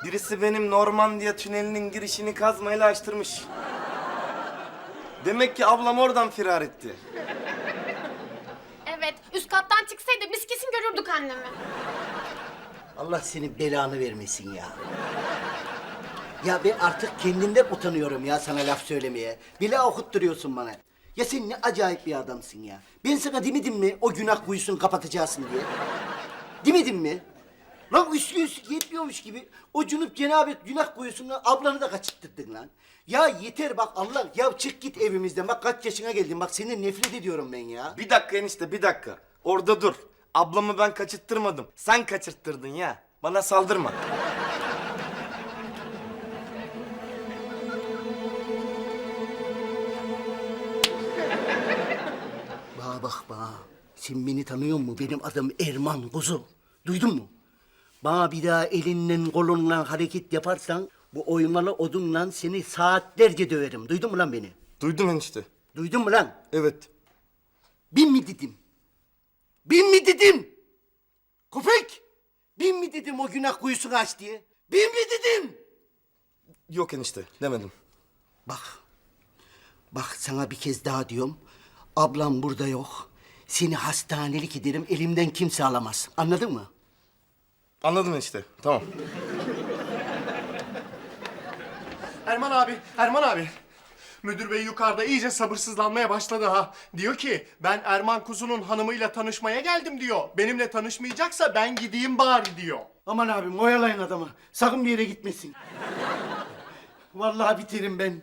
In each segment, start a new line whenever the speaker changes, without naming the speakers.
Birisi benim Normandiya tünelinin girişini kazmayla açtırmış. Demek ki ablam oradan firar etti.
Evet, üst kattan çıksaydı biz kesin görürdük annemi.
Allah senin belanı vermesin ya. Ya ben artık kendimden utanıyorum ya sana laf söylemeye. Bile okutturuyorsun bana. Ya sen ne acayip bir adamsın ya. Ben sana demedim mi o günah kuyusunu kapatacaksın diye? Demedim mi? Lan üstü yetmiyormuş gibi o cunup cenabet günah kuyusuna ablanı da kaçırttırdın lan. Ya yeter bak Allah, ya çık git evimizden. Bak kaç yaşına geldin, bak senden nefret ediyorum ben ya.
Bir dakika enişte, bir dakika. Orada dur. Ablamı ben kaçırttırmadım. Sen kaçırttırdın ya. Bana saldırma.
Bana bak bana. Sen beni tanıyor musun? Benim adım Erman kuzu. Duydun mu? Bana bir daha elinden kolunla hareket yaparsan bu oymalı odunla seni saatlerce döverim. Duydun mu lan beni?
Duydum enişte.
Duydun mu lan?
Evet.
Bin mi dedim? Bin mi dedim? Köpek! Bin mi dedim o günah kuyusunu aç diye? Bin mi dedim?
Yok enişte, demedim.
Bak. Bak sana bir kez daha diyorum. Ablam burada yok. Seni hastanelik ederim, elimden kimse alamaz. Anladın mı?
Anladım enişte, tamam.
Erman abi. Müdür bey yukarıda iyice sabırsızlanmaya başladı ha. Diyor ki ben Erman Kuzu'nun hanımıyla tanışmaya geldim diyor. Benimle tanışmayacaksa ben gideyim bari diyor.
Aman abim oyalayın adamı. Sakın bir yere gitmesin. Vallahi biterim ben.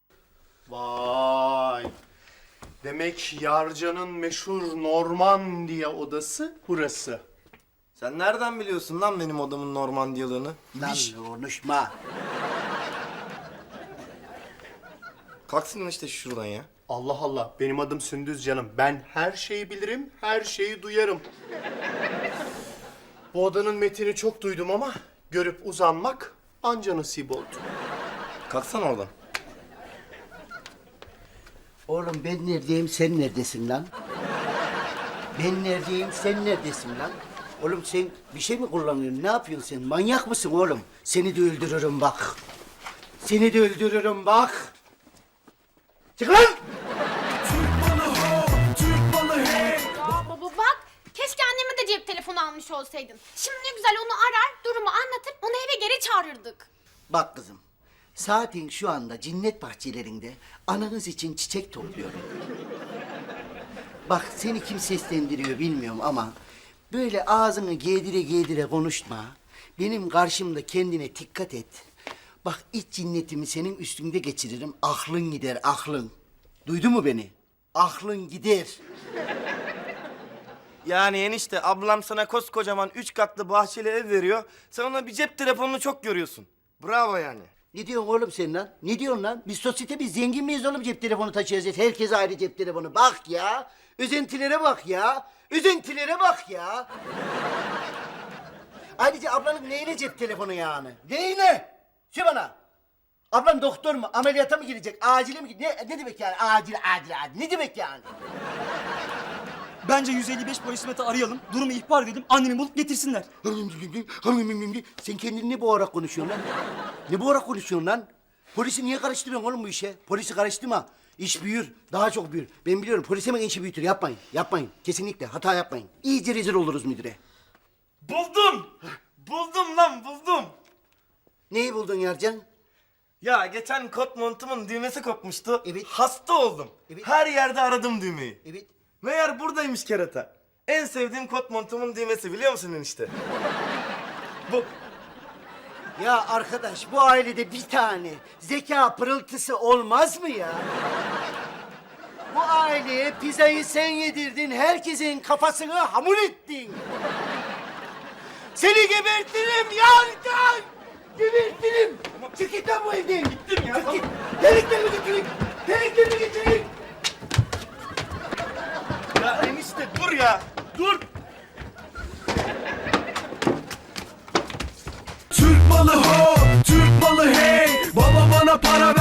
Vay. Demek Yarcan'ın meşhur Normandiya odası burası.
Sen nereden biliyorsun lan benim odamın Normandiyalığını?
Lan konuşma.
Kalksın işte şuradan ya.
Allah Allah, benim adım Sündüz canım. Ben her şeyi bilirim, her şeyi duyarım. Bu odanın metini çok duydum ama görüp uzanmak anca nasip oldu.
Kalksana oradan.
Oğlum ben neredeyim, sen neredesin lan? Ben neredeyim, sen neredesin lan? Oğlum sen bir şey mi kullanıyorsun? Ne yapıyorsun sen? Manyak mısın oğlum? Seni de öldürürüm bak. Seni de öldürürüm bak. Çık lan!
Baba bak, keşke anneme de cep telefonu almış olsaydın. Şimdi ne güzel onu arar, durumu anlatır, onu eve geri çağırırdık.
Bak kızım, saatin şu anda cennet bahçelerinde ananız için çiçek topluyorum. Bak seni kim seslendiriyor bilmiyorum ama böyle ağzını giydire konuşma. Benim karşımda kendine dikkat et. Bak iç cinnetimi senin üstünde geçiririm. Aklın gider, aklın. Duydun mu beni? Aklın gider.
Yani enişte ablam sana koskocaman 3 katlı bahçeli ev veriyor. Sen ona bir cep telefonunu çok görüyorsun. Bravo yani.
Ne diyorsun oğlum sen lan? Ne diyorsun lan? Biz sosyete, biz zengin miyiz oğlum cep telefonu taşıyacağız? Herkes ayrı cep telefonu. Bak ya. Üzüntülere bak ya. Üzüntülere bak ya. Ayrıca ablanın neyle cep telefonu yani? Neyle? Şu bana. Ablan doktor mu? Ameliyata mı girecek? Acile mi girecek? Ne demek yani? Acil. Ne demek yani?
Bence 155 polis hizmeti arayalım, durumu ihbar edelim, annemi bulup getirsinler.
Sen kendini ne boğarak konuşuyorsun lan? Ne boğarak konuşuyorsun lan? Polisi niye karıştırıyorsun oğlum bu işe? Polisi karıştırma. İş büyür, daha çok büyür. Ben biliyorum, polis hemen işi büyütür. Yapmayın. Kesinlikle hata yapmayın. İyice rezil oluruz müdüre.
Buldum! Buldum lan, buldum!
Neyi buldun Yarcan?
Ya geçen kot montumun düğmesi kopmuştu.
Evet.
Hasta oldum.
Evet.
Her yerde aradım düğmeyi.
Evet.
Meğer buradaymış kerata. En sevdiğim kot montumun düğmesi, biliyor musun enişte? Bu.
Ya arkadaş, bu ailede bir tane zeka pırıltısı olmaz mı ya? Bu aileye pizzayı sen yedirdin, herkesin kafasını hamur ettin. Seni gebertirim Yarcan! Gebertirim! Çık git lan bu evden! Gittim ya! Çık git! Deliklerimi getirin!
Ya enişte dur ya! Dur!
Türk malı ho, Türk malı hey. Baba bana para ver.